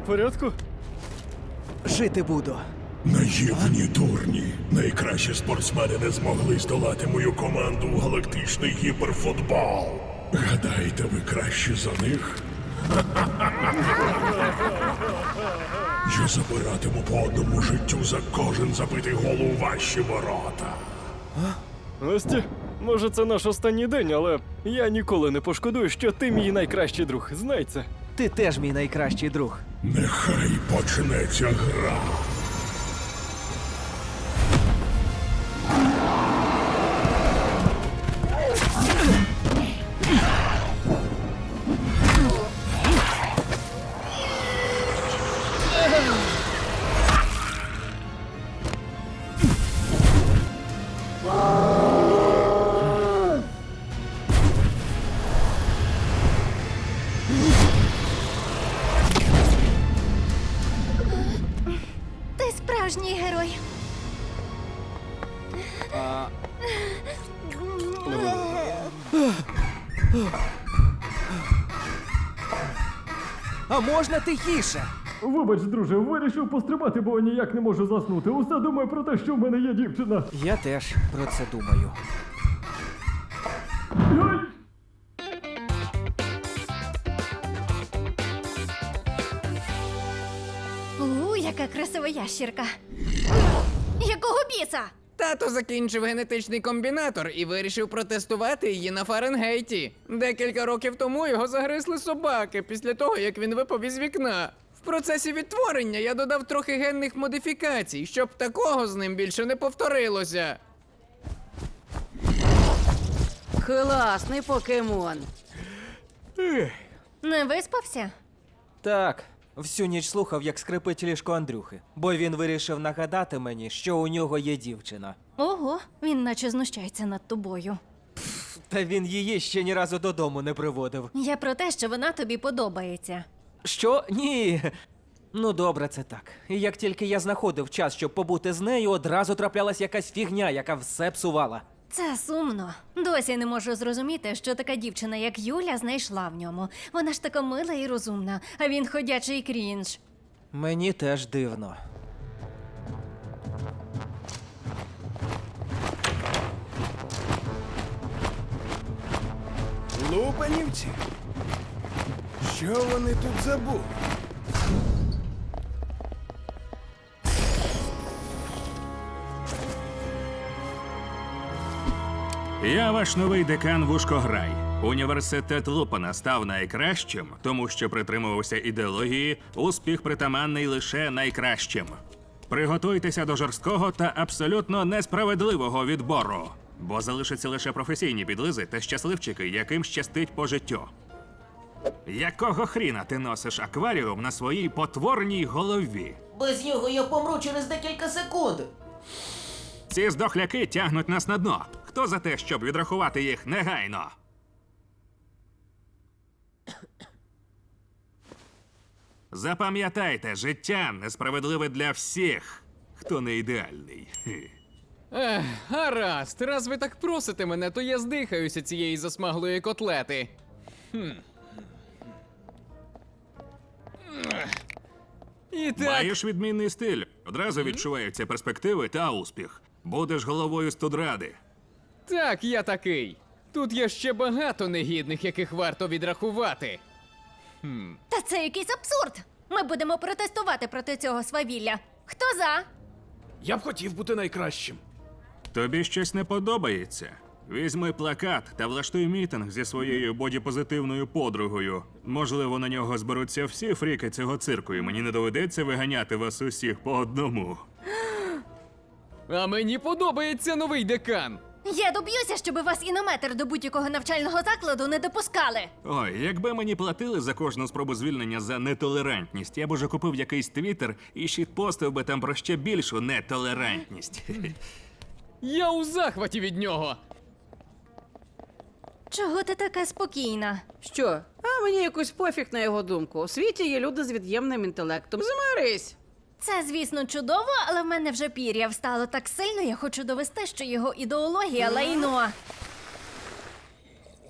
порядку? Жити буду. Наївні дурні. Найкращі спортсмени не змогли здолати мою команду у галактичний гіперфутбол. Гадаєте, ви кращі за них? Я забиратиму по одному життю за кожен забитий гол у ваші ворота. Насті, може це наш останній день, але я ніколи не пошкодую, що ти мій найкращий друг. Знай це. Ти теж мій найкращий друг. Нехай почнеться гра. Ти справжній герой. А можна тихіше? Вибач, друже, вирішив пострибати, бо ніяк не можу заснути. Усе думаю про те, що в мене є дівчина. Я теж про це думаю. Ой! Яка красива ящірка. Якого біса? Тато закінчив генетичний комбінатор і вирішив протестувати її на Фаренгейті. Декілька років тому його загризли собаки після того, як він випав із вікна. В процесі відтворення я додав трохи генних модифікацій, щоб такого з ним більше не повторилося. Класний покемон. Не виспався? Так, всю ніч слухав, як скрипить ліжко Андрюхи, бо він вирішив нагадати мені, що у нього є дівчина. Ого, він наче знущається над тобою. Та він її ще ні разу додому не приводив. Я про те, що вона тобі подобається. Що? Ні. Ну, добре, це так. І як тільки я знаходив час, щоб побути з нею, одразу траплялась якась фігня, яка все псувала. Це сумно. Досі не можу зрозуміти, що така дівчина, як Юля, знайшла в ньому. Вона ж така мила і розумна, а він ходячий крінж. Мені теж дивно. Лупанівці? Що вони тут забули? Я ваш новий декан Вушкограй. Університет Лупана став найкращим, тому що притримувався ідеології «успіх притаманний лише найкращим». Приготуйтеся до жорсткого та абсолютно несправедливого відбору, бо залишаться лише професійні підлизи та щасливчики, яким щастить по життю. Якого хріна ти носиш акваріум на своїй потворній голові? Без нього я помру через декілька секунд. Ці здохляки тягнуть нас на дно. Хто за те, щоб відрахувати їх негайно? Запам'ятайте, життя несправедливе для всіх, хто не ідеальний. Гаразд, раз ви так просите мене, то я здихаюся цієї засмаглої котлети. І так, Маєш відмінний стиль. Одразу відчуваються перспективи та успіх. Будеш головою студради. так, я такий. Тут є ще багато негідних, яких варто відрахувати. Та це якийсь абсурд! Ми будемо протестувати проти цього свавілля. Хто за? Я б хотів бути найкращим. Тобі щось не подобається? Візьми плакат та влаштуй мітинг зі своєю бодіпозитивною подругою. Можливо, на нього зберуться всі фріки цього цирку, і мені не доведеться виганяти вас усіх по одному. А мені подобається новий декан. Я доб'юся, щоб вас інометр до будь-якого навчального закладу не допускали. Ой, якби мені платили за кожну спробу звільнення за нетолерантність, я б уже купив якийсь твіттер і щитпостив би там про ще більшу нетолерантність. Я у захваті від нього. Чого ти така спокійна? Що? А мені якось пофіг на його думку. У світі є люди з від'ємним інтелектом. Змирись! Це, звісно, чудово, але в мене вже пір'я встало так сильно, я хочу довести, що його ідеологія лайно.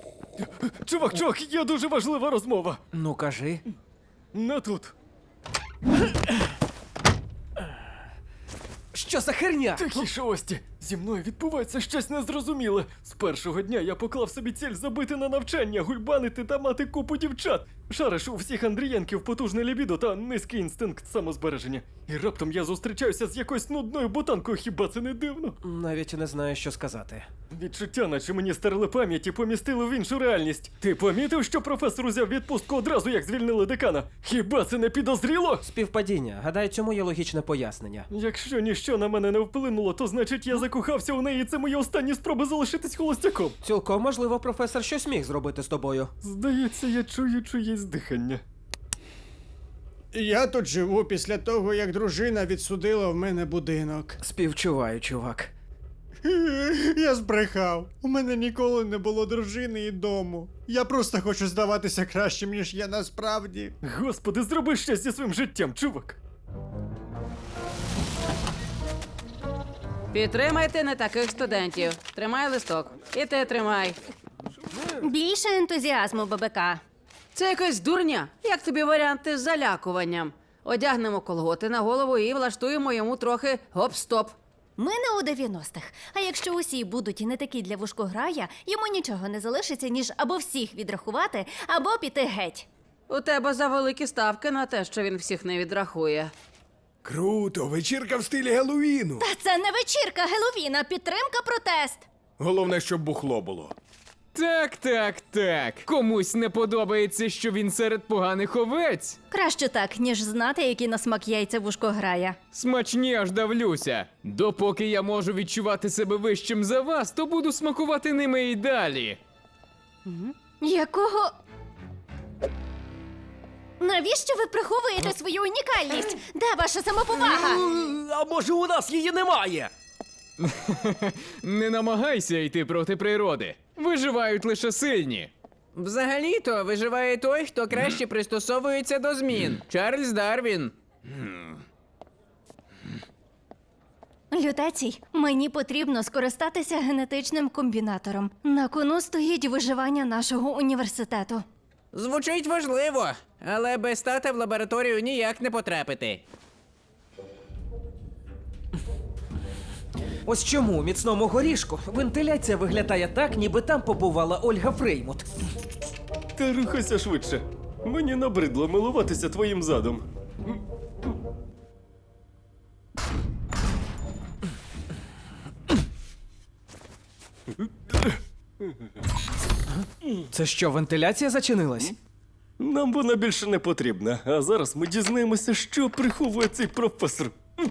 Чувак, є дуже важлива розмова. Ну, кажи. Не тут. Що за херня? Тихіше, Ості! Зі мною відбувається щось незрозуміле. З першого дня я поклав собі ціль забити на навчання, гульбанити та мати купу дівчат. Шариш у всіх Андрієнків потужне лібідо та низький інстинкт самозбереження. І раптом я зустрічаюся з якоюсь нудною ботанкою, хіба це не дивно? Навіть не знаю, що сказати. Відчуття, наче мені стерли пам'ять і помістили в іншу реальність. Ти помітив, що професор узяв відпустку одразу, як звільнили декана? Хіба це не підозріло? Співпадіння. Гадаю, цьому є логічне пояснення. Якщо ніщо на мене не вплинуло, то значить я закохався у неї, і це мої останні спроби залишитись холостяком. Цілком можливо, професор щось міг зробити з тобою. Здається, я чую чиєсь дихання. Я тут живу після того, як дружина відсудила в мене будинок. Співчуваю, чувак. Я збрехав. У мене ніколи не було дружини і дому. Я просто хочу здаватися кращим, ніж я насправді. Господи, зроби щось зі своїм життям, чувак. Підтримайте не таких студентів. Тримай листок. І ти тримай. Більше ентузіазму, ББК. Це якась дурня. Як тобі варіанти з залякуванням? Одягнемо колготи на голову і влаштуємо йому трохи гоп-стоп. Ми не у 90-х. А якщо усі будуть і не такі для вушкограя, йому нічого не залишиться, ніж або всіх відрахувати, або піти геть. У тебе завеликі ставки на те, що він всіх не відрахує. Круто, вечірка в стилі Геловіну. Та це не вечірка Геловіна, підтримка, протест. Головне, щоб бухло було. Так. Комусь не подобається, що він серед поганих овець. Краще так, ніж знати, які на смак яйця вушкограя. Смачні аж давлюся. Допоки я можу відчувати себе вищим за вас, то буду смакувати ними і далі. Якого? Навіщо ви приховуєте свою унікальність? Де ваша самоповага? А може, у нас її немає? Не намагайся йти проти природи. Виживають лише сильні. Взагалі-то виживає той, хто краще пристосовується до змін. Чарльз Дарвін. Лютецій, мені потрібно скористатися генетичним комбінатором. На кону стоїть виживання нашого університету. Звучить важливо, але без тата в лабораторію ніяк не потрапити. Ось чому у міцному горішку вентиляція виглядає так, ніби там побувала Ольга Фреймут. Та рухайся швидше. Мені набридло милуватися твоїм задом. Це що, вентиляція зачинилась? Нам вона більше не потрібна, а зараз ми дізнаємося, що приховує цей професор.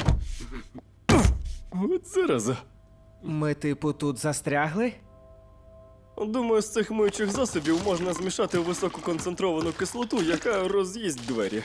От зараза. Ми, типу, тут застрягли? Думаю, з цих миючих засобів можна змішати висококонцентровану кислоту, яка роз'їсть двері.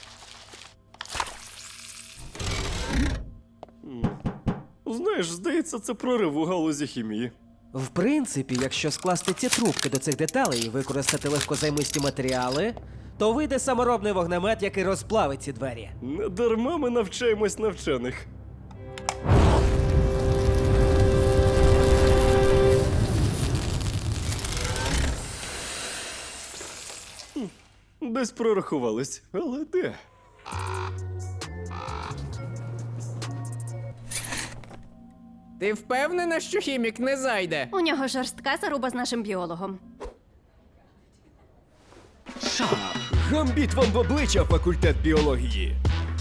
Знаєш, здається, це прорив у галузі хімії. В принципі, якщо скласти ці трубки до цих деталей і використати легкозаймисті матеріали, то вийде саморобний вогнемет, який розплавить ці двері. Не дарма ми навчаємось навчених. Десь прорахувались, але де? Ти впевнена, що хімік не зайде? У нього жорстка заруба з нашим біологом. Гамбіт вам в обличчя, факультет біології.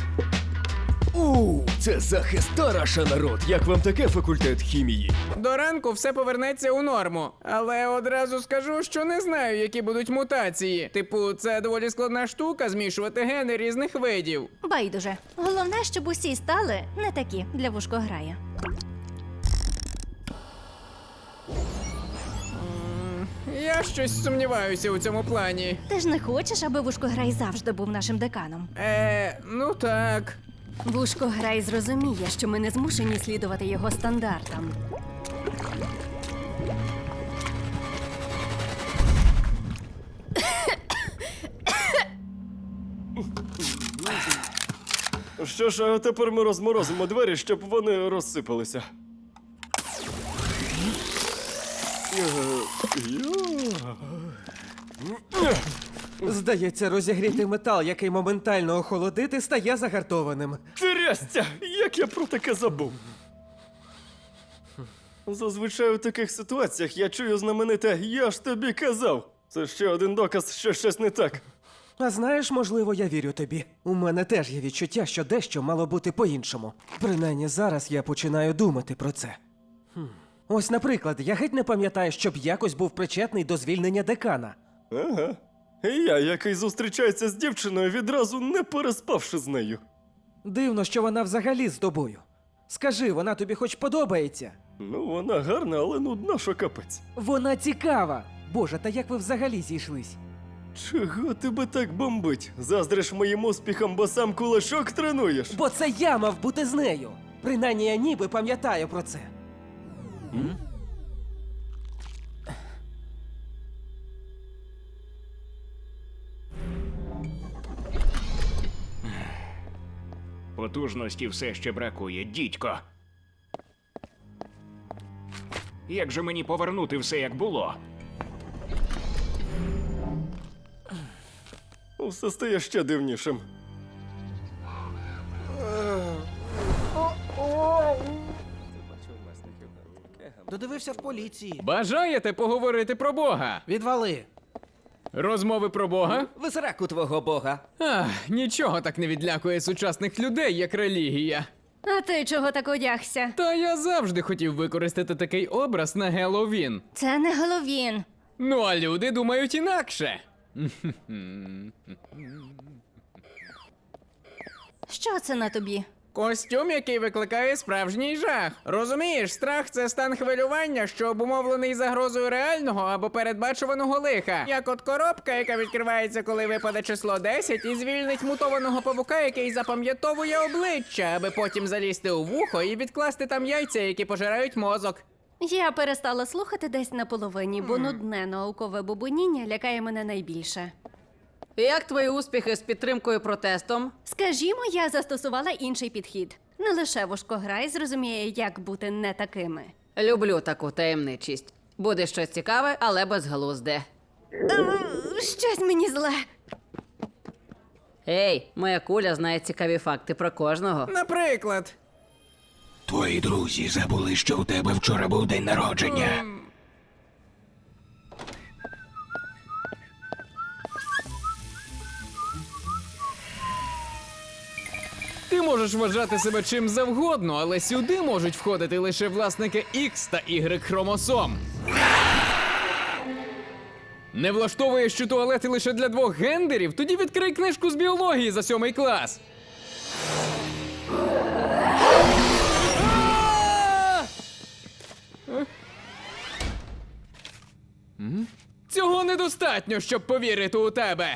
Це захист Тараша, народ. Як вам таке, факультет хімії? До ранку все повернеться у норму. Але одразу скажу, що не знаю, які будуть мутації. Типу, це доволі складна штука змішувати гени різних видів. Байдуже. Головне, щоб усі стали не такі для вушкограя. Я щось сумніваюся у цьому плані. Ти ж не хочеш, аби вушкограй завжди був нашим деканом? Ну так. Вушкограй зрозуміє, що ми не змушені слідувати його стандартам. Що ж, а тепер ми розморозимо двері, щоб вони розсипалися. Здається, розігрітий метал, який моментально охолодити, стає загартованим. Трясця! Як я про таке забув? Зазвичай у таких ситуаціях я чую знамените «Я ж тобі казав». Це ще один доказ, що щось не так. А знаєш, можливо, я вірю тобі. У мене теж є відчуття, що дещо мало бути по-іншому. Принаймні зараз я починаю думати про це. Ось, наприклад, я геть не пам'ятаю, щоб якось був причетний до звільнення декана. Ага. І я, який зустрічається з дівчиною, відразу не переспавши з нею. Дивно, що вона взагалі з тобою. Скажи, вона тобі хоч подобається? Ну, вона гарна, але нудна, що капець. Вона цікава! Боже, та як ви взагалі зійшлись? Чого тебе так бомбить? Заздриш моїм успіхам, бо сам кулачок тренуєш? Бо це я мав бути з нею! Принаймні я ніби пам'ятаю про це. Потужності все ще бракує, дідько. Як же мені повернути все, як було? Все стає ще дивнішим. Додивився в поліції. Бажаєте поговорити про Бога? Відвали. Розмови про Бога? В сраку твого бога. Ах, нічого так не відлякує сучасних людей, як релігія. А ти чого так одягся? Та я завжди хотів використати такий образ на Геловін. Це не Головін. Ну а люди думають інакше. Що це на тобі? Костюм, який викликає справжній жах. Розумієш, страх це стан хвилювання, що обумовлений загрозою реального або передбачуваного лиха. Як от коробка, яка відкривається, коли випаде число 10, і звільнить мутованого павука, який запам'ятовує обличчя, аби потім залізти у вухо і відкласти там яйця, які пожирають мозок. Я перестала слухати десь на половині, бо нудне наукове бубоніння лякає мене найбільше. Як твої успіхи з підтримкою протестом? Скажімо, я застосувала інший підхід. Не лише Вушкограй зрозуміє, як бути не такими. Люблю таку таємничість. Буде щось цікаве, але безглузде. Щось мені зле. Ей, моя куля знає цікаві факти про кожного. Наприклад. Твої друзі забули, що у тебе вчора був день народження. Ти можеш вважати себе чим завгодно, але сюди можуть входити лише власники X та Y хромосом. Не влаштовує, що туалети лише для двох гендерів? Тоді відкрий книжку з біології за 7 клас. Цього недостатньо, щоб повірити у тебе.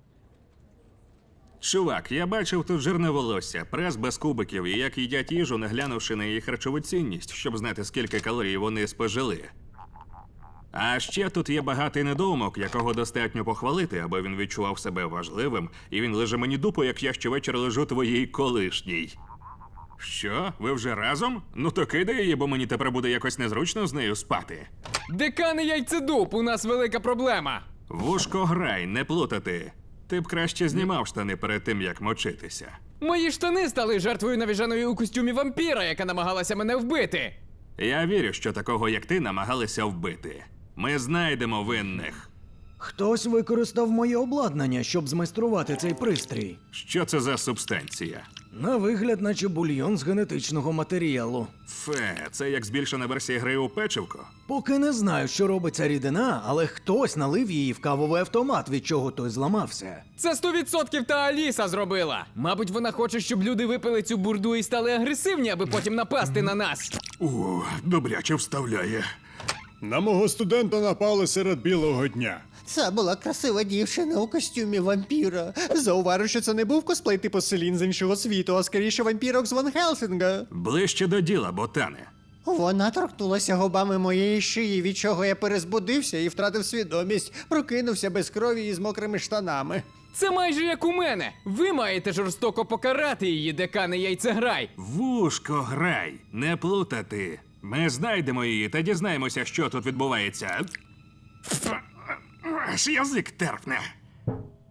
Чувак, я бачив тут жирне волосся, прес без кубиків і як їдять їжу, не глянувши на її харчову цінність, щоб знати, скільки калорій вони спожили. А ще тут є багатий недоумок, якого достатньо похвалити, аби він відчував себе важливим, і він лиже мені дупу, як я щовечір лежу твоїй колишній. Що? Ви вже разом? Ну то кидай її, бо мені тепер буде якось незручно з нею спати. Декан і яйцедуб, у нас велика проблема. Вушкограй, не плутати. Ти б краще знімав штани перед тим, як мочитися. Мої штани стали жертвою навіженої у костюмі вампіра, яка намагалася мене вбити. Я вірю, що такого, як ти, намагалися вбити. Ми знайдемо винних. Хтось використав моє обладнання, щоб змайструвати цей пристрій. Що це за субстанція? На вигляд, наче бульйон з генетичного матеріалу. Фе, це як збільшена версія гри у печивко? Поки не знаю, що робить ця рідина, але хтось налив її в кавовий автомат, від чого той зламався. Це 100% та Аліса зробила. Мабуть, вона хоче, щоб люди випили цю бурду і стали агресивні, аби потім напасти на нас. О, добряче вставляє. На мого студента напали серед білого дня. Це була красива дівчина у костюмі вампіра. Зауважу, що це не був косплей типу Селін з іншого світу, а скоріше вампірок з Ван Хелсінга. Ближче до діла, ботане. Вона торкнулася губами моєї шиї, від чого я перезбудився і втратив свідомість. Прокинувся без крові і з мокрими штанами. Це майже як у мене. Ви маєте жорстоко покарати її, декане яйцеграй. Вушкограй, не плутати. Ми знайдемо її та дізнаємося, що тут відбувається. Аж язик терпне.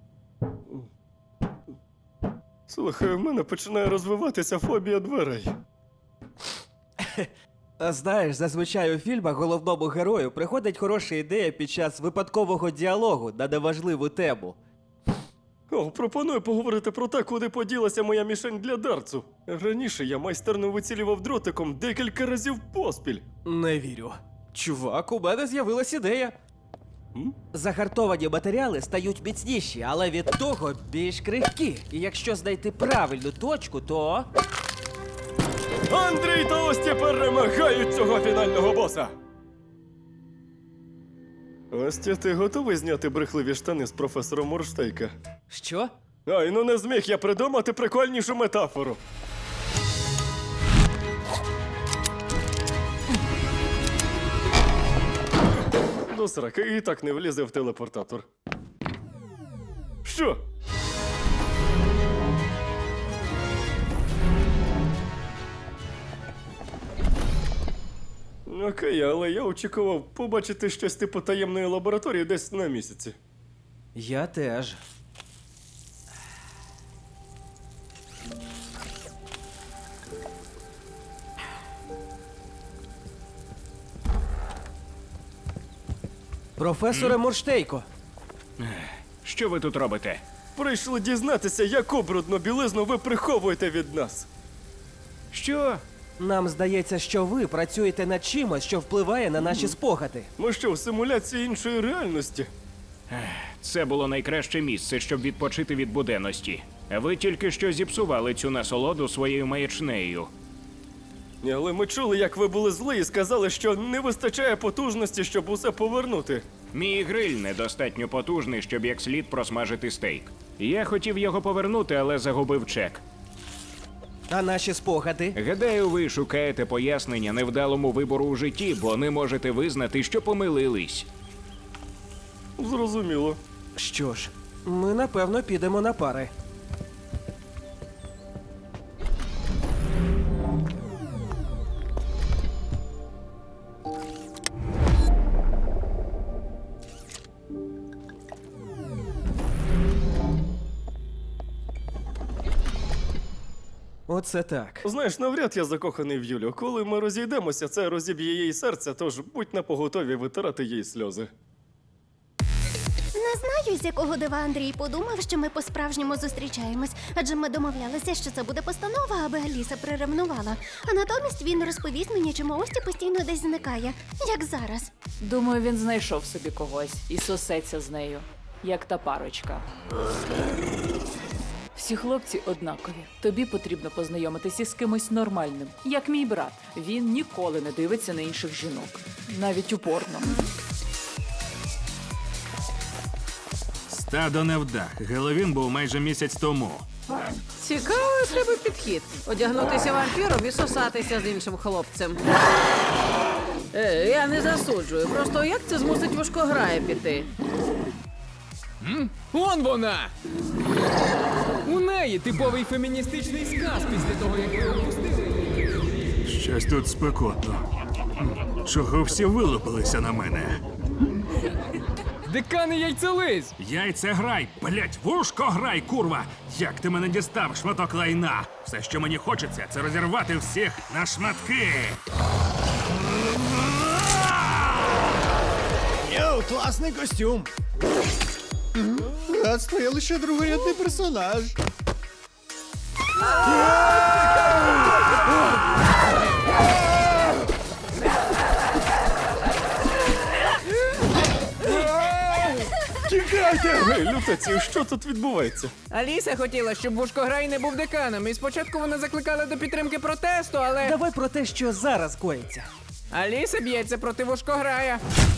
Слухай, у мене починає розвиватися фобія дверей. А знаєш, зазвичай у фільмах головному герою приходить хороша ідея під час випадкового діалогу на неважливу тему. О, пропоную поговорити про те, куди поділася моя мішень для дартсу. Раніше я майстерно вицілював дротиком декілька разів поспіль. Не вірю. Чувак, у мене з'явилась ідея. Загартовані матеріали стають міцніші, але від того більш крихкі. І якщо знайти правильну точку, то. Андрій та Ості перемагають цього фінального боса! Остя, ти готовий зняти брехливі штани з професором Морштейка? Що? Ай, ну не зміг я придумати прикольнішу метафору. До сраки, і так не влізе в телепортатор. Що? Окей, але я очікував побачити щось типу таємної лабораторії десь на місяці. Я теж. Професоре Морштейко. Що ви тут робите? Прийшли дізнатися, яку брудну білизну ви приховуєте від нас. Що? Нам здається, що ви працюєте над чимось, що впливає на наші спогади. Ми що, в симуляції іншої реальності? Це було найкраще місце, щоб відпочити від буденності. Ви тільки що зіпсували цю насолоду своєю маячнею. Але ми чули, як ви були зли і сказали, що не вистачає потужності, щоб усе повернути. Мій гриль недостатньо потужний, щоб як слід просмажити стейк. Я хотів його повернути, але загубив чек. А наші спогади? Гадаю, ви шукаєте пояснення невдалому вибору у житті, бо не можете визнати, що помилились. Зрозуміло. Що ж, ми напевно підемо на пари. Оце так. Знаєш, навряд я закоханий в Юлю. Коли ми розійдемося, це розіб'є їй серце, тож будь напоготові витирати їй сльози. Не знаю, з якого дива Андрій подумав, що ми по-справжньому зустрічаємось, адже ми домовлялися, що це буде постанова, аби Аліса приревнувала. А натомість він розповість мені, чому Ості постійно десь зникає, як зараз. Думаю, він знайшов собі когось і сосеться з нею, як та парочка. Всі хлопці однакові. Тобі потрібно познайомитися з кимось нормальним, як мій брат. Він ніколи не дивиться на інших жінок, навіть у порно. Стадо невдах. Геловін був майже місяць тому. Цікавий в тебе підхід. Одягнутися вампіром і сосатися з іншим хлопцем. Я не засуджую. Просто як це змусить Вушкограя піти? Он вона! У неї типовий феміністичний сказ після того, як ви опустили. Щось тут спекотно. Чого всі вилупилися на мене? Декан і яйцелись! Яйцеграй, блять, вушкограй, курва! Як ти мене дістав, шматок лайна? Все, що мені хочеться, це розірвати всіх на шматки! Йоу, класний костюм! Братство, я лише другорядний персонаж. Тікайте! Гей, лютаці, що тут відбувається? Аліса хотіла, щоб Вушкограй не був деканом, і спочатку вона закликала до підтримки протесту, але... Давай про те, що зараз коїться. Аліса б'ється проти Вушкограя.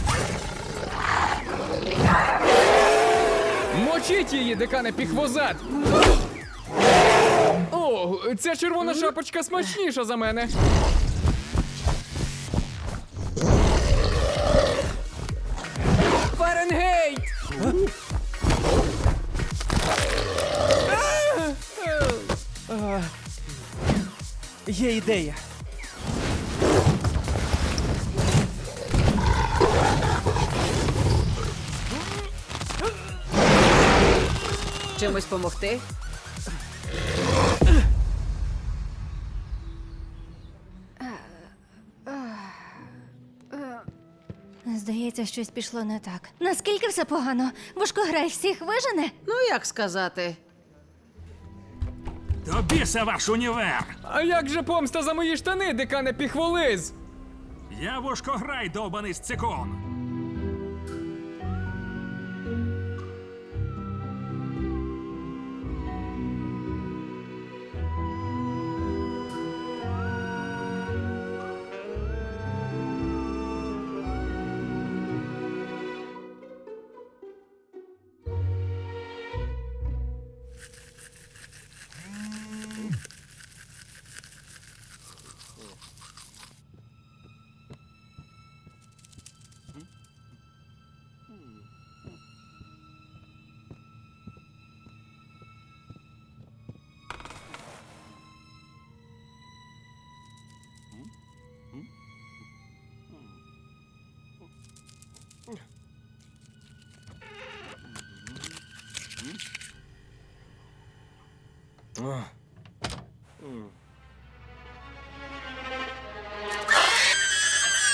Мочіть її, декане піхвозад! О, ця червона шапочка смачніша за мене. Фаренгейт! Є ідея. Чимось помогти? Здається, щось пішло не так. Наскільки все погано? Вушкограй всіх вижене? Ну, як сказати? До біса ваш універ! А як же помста за мої штани, декане Піхволиз? Я Вушкограй, довбаний сцикун!